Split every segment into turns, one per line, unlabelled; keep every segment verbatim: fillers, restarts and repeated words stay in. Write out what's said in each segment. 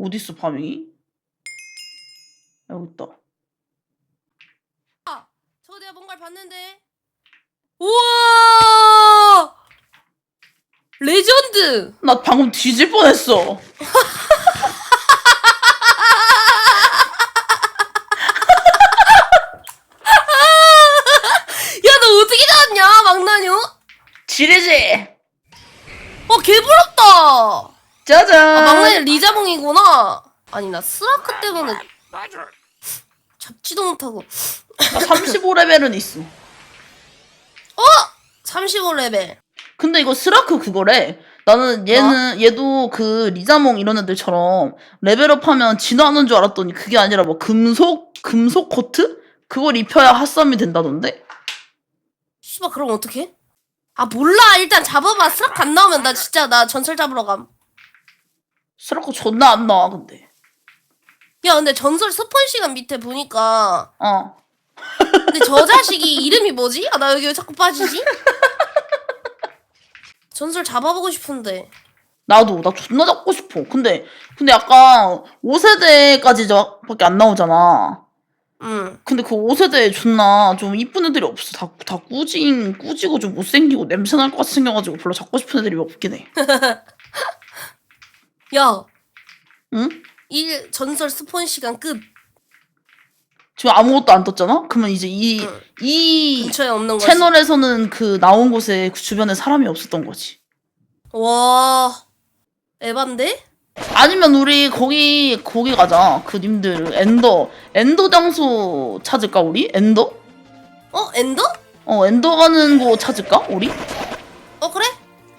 어딨어 파밍이? 여기 있다.
아, 저 내가 뭔가를 봤는데. 우와! 레전드!
나 방금 뒤질 뻔했어.
야, 너 어떻게 나왔냐, 망나뇽?
지리지.
와, 개부럽다!
짜잔.
아, 망나뇽 리자몽이구나. 아니, 나 스라크 때문에 잡지도 못하고.
나 삼십오 레벨은 있어.
어? 삼십오 레벨.
근데 이거 스라크 그거래. 나는 얘는
뭐?
얘도 그 리자몽 이런 애들처럼 레벨업하면 진화하는 줄 알았더니 그게 아니라 뭐 금속 금속 코트 그걸 입혀야 핫썸이 된다던데.
씨발, 그럼 어떡해? 아, 몰라. 일단 잡아봐. 스라크 안 나오면 나 진짜 나 전설 잡으러 감.
스라크 존나 안 나와 근데.
야, 근데 전설 스폰 시간 밑에 보니까
어.
근데 저 자식이 이름이 뭐지? 아, 나 여기 왜 자꾸 빠지지? 전설 잡아보고 싶은데.
나도 나 존나 잡고 싶어. 근데 근데 약간 오 세대까지밖에 안 나오잖아.
응.
근데 그 오 세대에 존나 좀 이쁜 애들이 없어. 다, 다 꾸진, 꾸지고 좀 못생기고 냄새 날 것 같이 생겨가지고 별로 잡고 싶은 애들이 없긴 해.
야,
응?
일 전설 스폰 시간 끝.
지금 아무것도 안 떴잖아? 그러면 이제 이,
응.
이
근처에 없는 거지.
채널에서는 그 나온 곳에 그 주변에 사람이 없었던 거지.
와, 에반데?
아니면 우리 거기, 거기 가자. 그 님들, 엔더. 엔더 장소 찾을까, 우리? 엔더?
어, 엔더?
어, 엔더 가는 곳 찾을까, 우리?
어, 그래?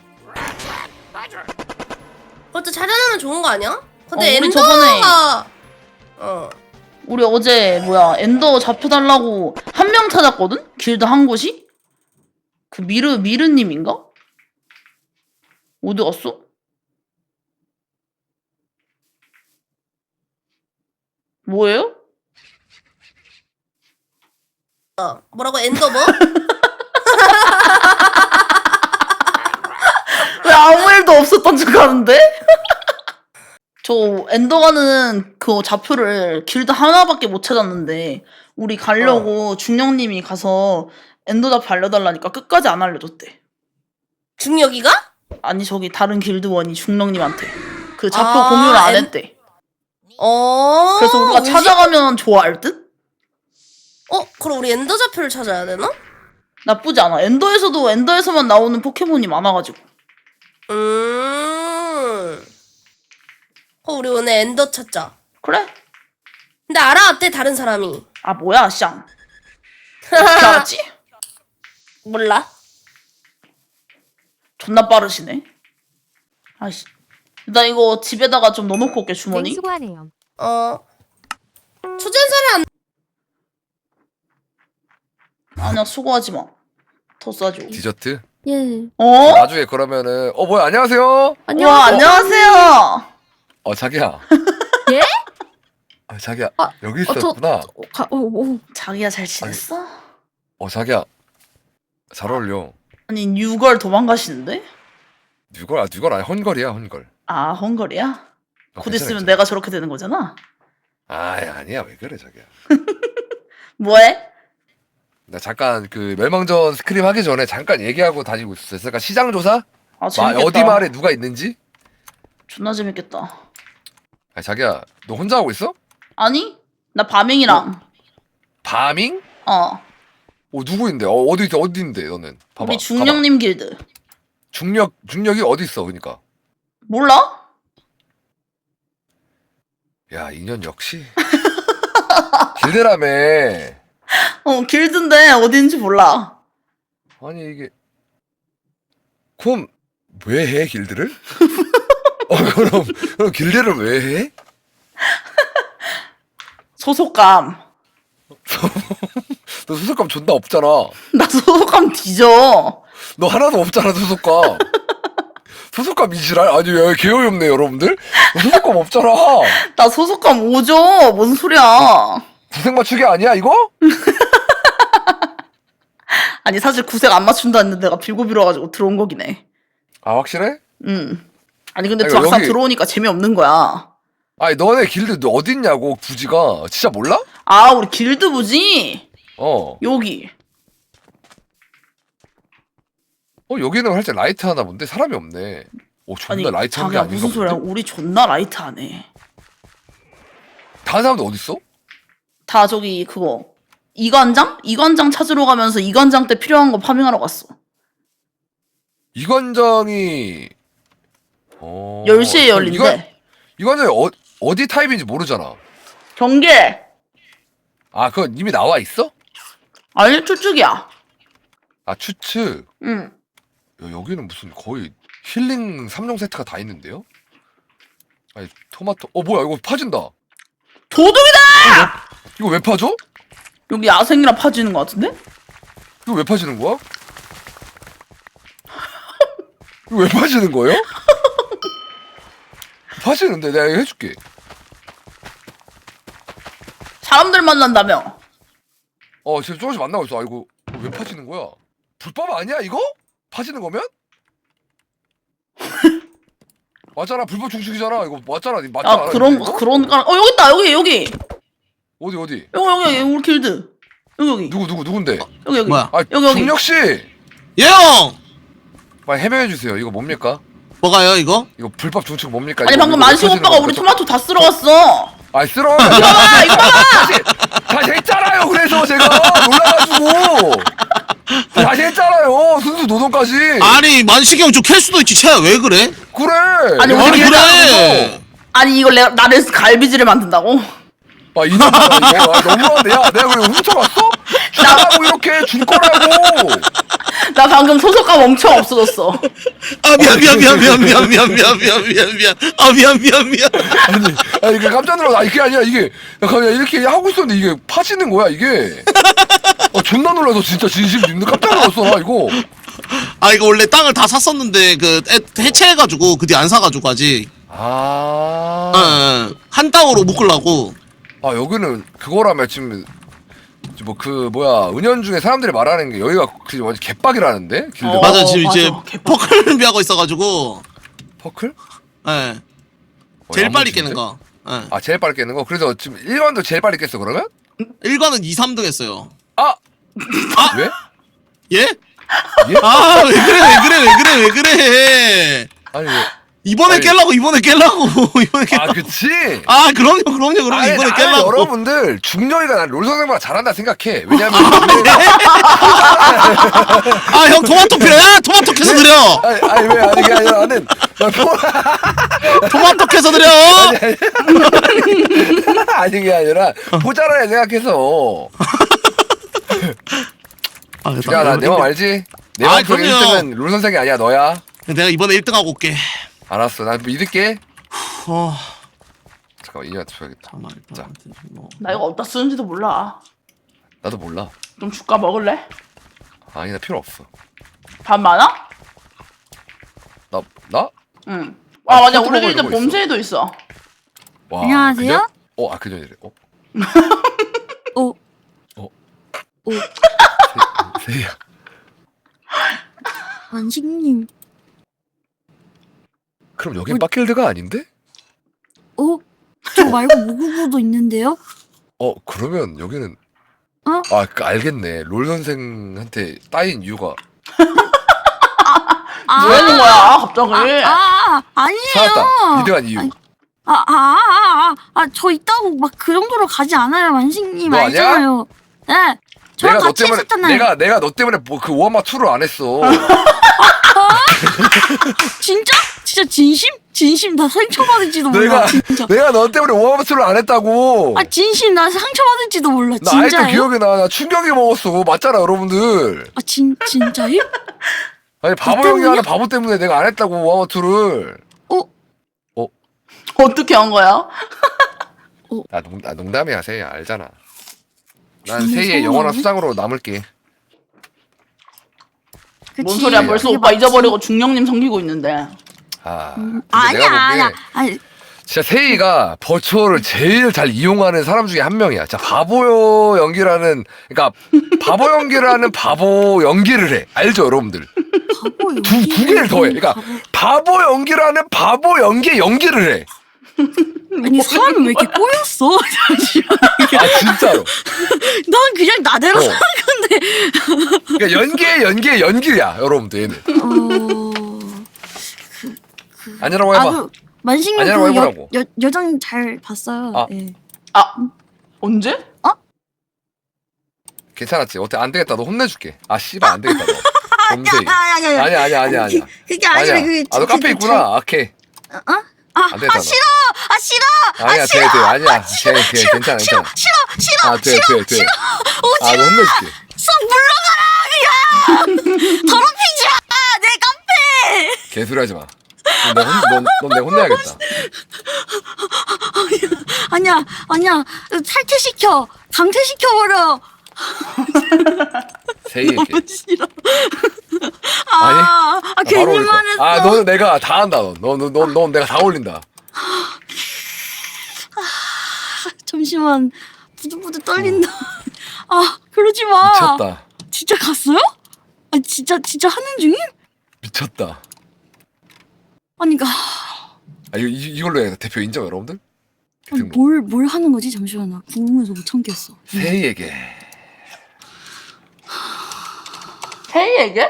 그것도 찾아내면 좋은 거 아니야? 근데
어, 우리
엔더가 어.
우리 어제 뭐야 엔더 잡혀달라고 한 명 찾았거든? 길드 한 곳이? 그 미르 미르님인가? 어디 갔어? 뭐예요?
어. 뭐라고 엔더 뭐?
왜 아무 일도 없었던 줄 아는데? 저 엔더 가는 그 좌표를 길드 하나밖에 못 찾았는데 우리 가려고
어.
중령님이 가서 엔더 좌표 알려달라니까 끝까지 안 알려줬대.
중력이가?
아니 저기 다른 길드원이 중령님한테 그 좌표
아,
공유를 안
엔-
했대.
어.
그래서 우리가
뭐지?
찾아가면 좋아할 듯?
어, 그럼 우리 엔더 좌표를 찾아야 되나?
나쁘지 않아. 엔더에서도 엔더에서만 나오는 포켓몬이 많아가지고.
음. 어, 우리 오늘 엔더 찾자.
그래?
근데 알아왔대 다른 사람이.
아 뭐야 쌍. 어떻게 알았지?
몰라.
존나 빠르시네. 아이씨. 나 이거 집에다가 좀 넣어놓고 올게 주머니.
네, 수고하네요.
어. 초전사를 안.
아니야 수고하지 마. 더 싸줘.
디저트?
예.
어?
나중에 그러면은 어 뭐야 안녕하세요.
와
안녕하세요.
안녕하세요.
어 자기야.
예?
아 자기야
아,
여기
어, 저-
있었구나.
어, 가, 어, 어.
자기야 잘 지냈어?
어 자기야 잘 어울려.
아니 뉴걸 도망가시는데?
뉴걸 아 뉴걸 아니 헝걸이야 헝걸.
아 헝거리야?
어,
곧
괜찮아,
있으면
괜찮아.
내가 저렇게 되는 거잖아.
아 아니야 왜 그래 자기야.
뭐해?
나 잠깐 그 멸망전 스크림 하기 전에 잠깐 얘기하고 다니고 있었어. 그러니까 시장 조사?
아
마,
재밌겠다.
어디 마을에 누가 있는지?
존나 재밌겠다.
아 자기야 너 혼자 하고 있어?
아니? 나 바밍이랑.
바밍?
어.
어 누구인데? 어 어디 있 어디 있는데 너는? 봐봐.
우리 중령님 길드.
봐봐. 중력 중력이 어디 있어 그러니까.
몰라?
야 인연 역시. 길드라며.
어 길드인데 어딘지 몰라.
아니 이게 그럼 왜 해 길드를? 어 그럼, 그럼 길드를 왜 해?
소속감.
너 소속감 존나 없잖아.
나 소속감 뒤져.
너 하나도 없잖아 소속감. 소속감 이지랄? 아니 왜 개어이 없네 여러분들? 너 소속감 없잖아.
나 소속감 오죠. 뭔 소리야.
구색 맞추기 아니야 이거?
아니 사실 구색 안 맞춘다 했는데 내가 빌고 빌어가지고 들어온 거긴 해.
아 확실해?
응. 아니 근데
아니,
막상
여기-
들어오니까 재미없는 거야.
아니 너네 길드 너 어딨냐고 부지가 진짜 몰라?
아 우리 길드 부지?
어.
여기.
어 여기는 살짝 라이트 하나 본데 사람이 없네. 오 존나
아니
라이트 한 게
자기야
아닌가
무슨 소리야?
본데?
우리 존나 라이트하네.
다른 사람들 어딨어?
다 저기 그거 이관장? 이관장 찾으러 가면서 이관장 때 필요한 거 파밍하러 갔어.
이관장이 어...
열 시에
그럼
열린대.
이관, 이관장이 어, 어디 타입인지 모르잖아.
경계.
아 그건 이미 나와 있어?
아니 추측이야.
아 추측.
응.
야, 여기는 무슨 거의 힐링 삼 종 세트가 다 있는데요? 아니 토마토 어 뭐야 이거 파진다.
도둑이다!
이거 왜 파죠?
여기 야생이라 파지는 거 같은데?
이거 왜 파지는 거야? 이거 왜 파지는 거예요? 파지는데 내가 이거 해줄게.
사람들 만난다며.
어 지금 조금씩 만나고 있어. 아 이거 왜 파지는 거야? 불법 아니야 이거? 파지는 거면? 맞잖아 불법 중식이잖아 이거 맞잖아 맞잖아.
아 그런 거 그런 거. 어 여기 있다 여기 여기.
어디 어디?
여기 여기 여기 우리 길드. 여기 여기.
누구 누구 누군데?
여기 여기.
뭐야?
아
여기, 여기.
중력 씨,
예영!
빨리 해명해 주세요. 이거 뭡니까?
뭐가요 이거?
이거 불법 중식 뭡니까?
아니
이거
방금
이거
만식
왜
오빠가
파지는
우리
겁니까?
토마토 다 쓸어 갔어.
아이 쓸어.
이거 봐 이거 봐.
다시 다시 했잖아요. 그래서 제가 놀라가지고 다시 했잖아요. 순수 노동까지.
아니 만식이 형 좀 캘 수도 있지 채야 왜 그래?
그래.
아니,
이거
우리
아니
길드
그래
아니 이걸 내가 나를 갈비질을 만든다고?
아 이년들아 이거 아, 너무하네. 야 내가 그래 훔쳐갔어? 나라고 이렇게 줄 거라고.
나 방금 소속감 엄청 없어졌어.
아 미안 미안 미안 미안 미안 미안 미안 미안 미안 미안 아 미안 미안 미안
아니 아니 이게 깜짝 놀라. 아니 그게 아니라 이게 야, 그냥 이렇게 하고 있었는데 이게 파지는 거야 이게. 어 존나 놀라서 진짜 진심 님들 깜짝 놀랐어 나 이거.
아 이거 원래 땅을 다 샀었는데 그 해- 해체해가지고 그 뒤 안 사가지고 아직
아.
어, 한 땅으로 묶으려고
아 여기는 그거라며 지금 뭐 그 뭐야 은연중에 사람들이 말하는 게 여기가 그 완전 개빡이라는데 길드.
어.
맞아 지금 이제
맞아. 개빡.
퍼클 준비하고 있어가지고
퍼클?
예
어,
제일 빨리
야무진데?
깨는 거 예.
아 제일 빨리 깨는 거. 그래서 지금 일관도 제일 빨리 깼어 그러면?
일관은 이, 삼 등 했어요
아! 왜?
예?
예?
아 왜 그래 왜 그래 왜 그래 왜 그래
아니 왜?
이번에
아니.
깰라고 이번에 깰라고 이번에 깰라고
아 그치?
아 그럼요 그럼요 그럼요
아니,
이번에
나는
깰라고
여러분들 중령이가 난 롤 선생보다 잘한다 생각해. 왜냐면
아 형 토마토 필요해 야 토마토 캐서 드려
아니, 아니 왜 아니 그게 아니라 나는 나 포-
토마토 캐서 드려
아니 그게 아니라 모자라야 생각해서.
아,
야 나 내 맘 알지? 내
아,
맘속에
그럼요.
일 등은 롤 선생이 아니야 너야.
내가 이번에 일 등 하고 올게
알았어 나 믿을게.
어
잠깐만 이년한테 줘야겠다.
잠깐만
자.
뭐.
나 이거 어디다 쓰는지도 몰라.
나도 몰라.
좀 줄까 먹을래?
아니 나 필요 없어.
밥 많아?
나 나?
응.
아,
아 맞아
포트로그
우리 길드
이런 거 있어.
봄새도 있어.
와,
안녕하세요?
그전? 어, 아 그전이래. 어,
오.
어.
오.
세- 세희야.
만식님.
그럼 여긴 빡길드가 아닌데?
오. 저 말고 모구구도 있는데요?
어, 그러면 여기는
어?
아, 그 알겠네. 롤 선생한테 따인 이유가
아.
뭐 하는 거야 갑자기?
아, 아, 아니에요.
찾았다. 이등한 이유.
아니, 아, 아, 아, 아, 아, 저 있다고 막 그 정도로 가지 않아요, 만식님.
너 아니야?
알잖아요. 네. 저랑
내가 너
같이
때문에
했었잖아요.
내가 내가 너 때문에 뭐 그 오하마 투를 안 했어.
진짜? 진짜 진심? 진심 나 상처받을지도 몰라.
내가
진짜.
내가 너 때문에 오하마 투를 안 했다고.
아, 진심 나 상처받을지도 몰라.
나 아직도
진짜요?
기억이 나. 나 충격이 먹었어. 맞잖아, 여러분들.
아, 진 진짜요?
아니 바보 형이 하는 바보 때문에 내가 안 했다고 오하마 투를.
어?
어떻게 한 거야?
나 농, 나 농담이야, 세희야. 알잖아. 난
정말
세희의 영원한
서운하네.
수장으로 남을게.
그치.
뭔 소리야 벌써
그게
오빠
맞지.
잊어버리고 중령님 섬기고 있는데.
아,
음,
근데
아니야,
내가 보기에
아니야. 아니,
진짜 세희가 버추어를 제일 잘 이용하는 사람 중에 한 명이야. 자, 바보 연기라는, 그러니까 바보 연기라는 바보 연기를 해. 알죠, 여러분들?
바보
두, 두 개를 더 해. 그러니까 바보 연기라는 바보 연기의 연기를 해.
아니 사람이 왜 이렇게 꼬였어? 잠시만.
아 진짜로.
난 그냥 나대로
어.
사는 건데.
그러니까 연기의 연기의 연기야 여러분들 얘는.
어.
아니라고 해봐.
아, 그 만식님
아니라고
그 여,
해보라고.
여, 여장 잘 봤어요.
아.
예.
아 언제?
괜찮았지. 어때 안 되겠다. 너 혼내줄게. 아 씨발 안 되겠다. 너. 범죄.
아니 아니
아니야 아니야 아니야 아니야.
그게 아니라
아니야.
그게
아 너
그-
카페
그-
있구나. 오케이.
어? 아,
안 되겠다.
아 싫어 아 싫어
아니야 돼 돼. 아니야. 돼 돼. 괜찮아
싫어
괜찮아.
싫어 싫어
아 돼 돼 돼.
오지
아 너 혼내줄게.
쏙 물러가라 그냥 더럽히지 마내 카페.
개소리 하지 마. 넌 내가 혼내야겠다.
아니야 아니야 탈퇴시켜 강퇴시켜버려.
세이 얘기.
너무 싫어.
아니?
아, 아
아,
괜히
바로 올릴 거야.
말했어.
아 너는 내가 다 한다. 너너넌 내가 다 올린다.
잠시만 부들부들 떨린다. 아 그러지 마.
미쳤다.
진짜 갔어요? 아 진짜 진짜 하는 중임?
미쳤다.
아니 그
아 이거 이- 이걸로 해 대표 인정 여러분들? 개등록.
뭘뭘 하는 거지? 잠시만 나 궁금해서 못 참겠어.
세이에게
헤이에게?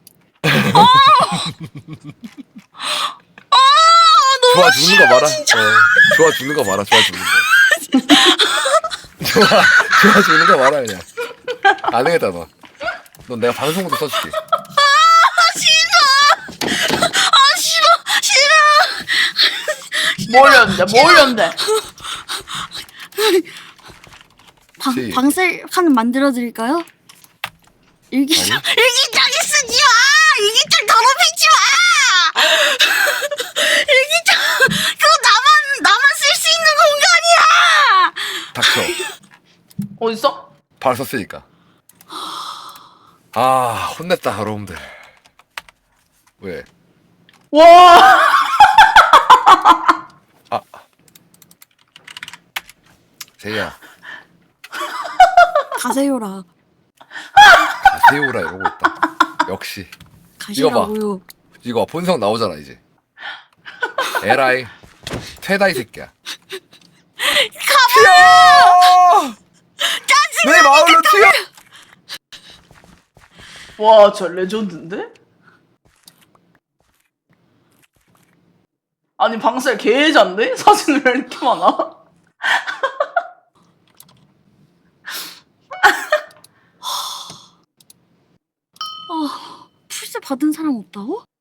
좋아 죽는 거 봐라. 어, 좋아 죽는 거 봐라. 좋아 죽는 거. 좋아 좋아 죽는 거 봐라 그냥. 안 되겠다 너. 넌 내가 방송부터 써줄게.
아 싫어 싫어.
뭘 연대? 뭘 연대?
방
시.
방셀 칸 만들어 드릴까요? 일기장 일기장에 쓰지 마. 일기장 더럽히지 마. 일기장 그거 나만 나만 쓸 수 있는 공간이야.
닥쳐.
어딨어?
바로 썼으니까. 아 혼냈다 여러분들. 왜?
와.
세이야
가세요라.
세이오라 이러고 있다. 역시
가시라고요.
이거 본성 나오잖아 이제. 에라이 퇴다 이 새끼야. 튀어! 내 마을로 튀어!
와, 저 레전드인데? 아니, 방셀 개해잔데? 사진 왜 이렇게 많아?
아 풀세 받은 사람 없다고?